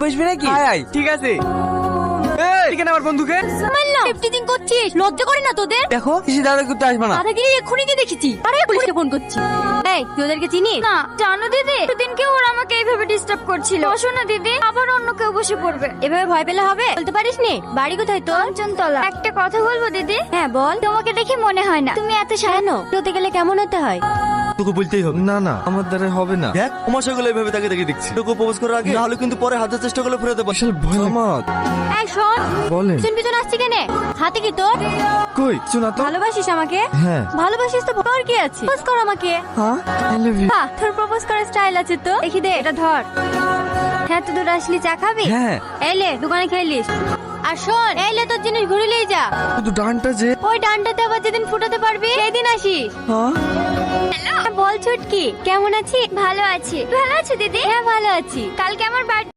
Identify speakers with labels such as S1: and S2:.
S1: বসবি নাকি?
S2: আয় আয়, ঠিক আছে। এখানে আমার বন্ধুকে
S3: মারলাম টিফটিং করছিস, লজ্জা করে না তোদের?
S1: দেখো কিসি দাদা করতে আসবে না।
S3: দাদাগিরি এক্ষুনি দিয়ে দেখেছি, আরে পুলিশকে ফোন করছি। এই তুই ওদেরকে চিনিস?
S4: না জানো দিদি, সেদিনকে ওরা আমাকে এইভাবে ডিস্টার্ব করছিল। বসো না দিদি, আবার অন্য কেউ বসে পড়বে।
S3: এভাবে ভয় পেলে হবে? বলতে পারিস নি বাড়ি কোথায় তোর?
S4: কাঞ্চনতলা। একটা কথা বলবো দিদি?
S3: হ্যাঁ বল।
S4: তোমাকে দেখে মনে হয় না তুমি এত
S3: কেন তোতে গেলে কেমন হতে হয়?
S5: তোকে বলতেই হবে। না না, আমার দ্বারা হবে না। দেখ তোমার সেগুলো এইভাবে তাকে দেখে দেখছি। তোকে প্রপোজ করার আগে না হলে কিন্তু পরে হাজার চেষ্টা করলে ফেরত দেবো।
S3: এই শোন,
S5: বলেন।
S3: পিছন পিছন আসছি কেনে? হাতে কি তোর?
S5: কই শোনা তো।
S3: ভালোবাসিস আমাকে?
S5: হ্যাঁ।
S3: ভালোবাসিস তো তোর কি আছে? প্রপোজ কর আমাকে।
S5: হ্যাঁ, আই লাভ ইউ।
S3: বাহ, তোর প্রপোজ করার স্টাইল আছে তো। দেখি দে, এটা ধর। হ্যাঁ, তুই দূর আসলি, চা খাবি?
S5: হ্যাঁ।
S3: এলে দোকানে খেলিস। আর শোন, এলে তোর জিনিস ঘুরিলেই যা।
S5: শুধু ডানটা যে।
S3: ওই ডানটাতে আবার যেদিন ফুটাতে পারবি সেদিন আসিস।
S5: হ্যাঁ।
S3: বল ছুটকি, কেমন আছিস?
S4: ভালো আছি। ভালো আছো দিদি?
S3: হ্যাঁ ভালো আছি।
S4: কালকে আমার বার্থডে।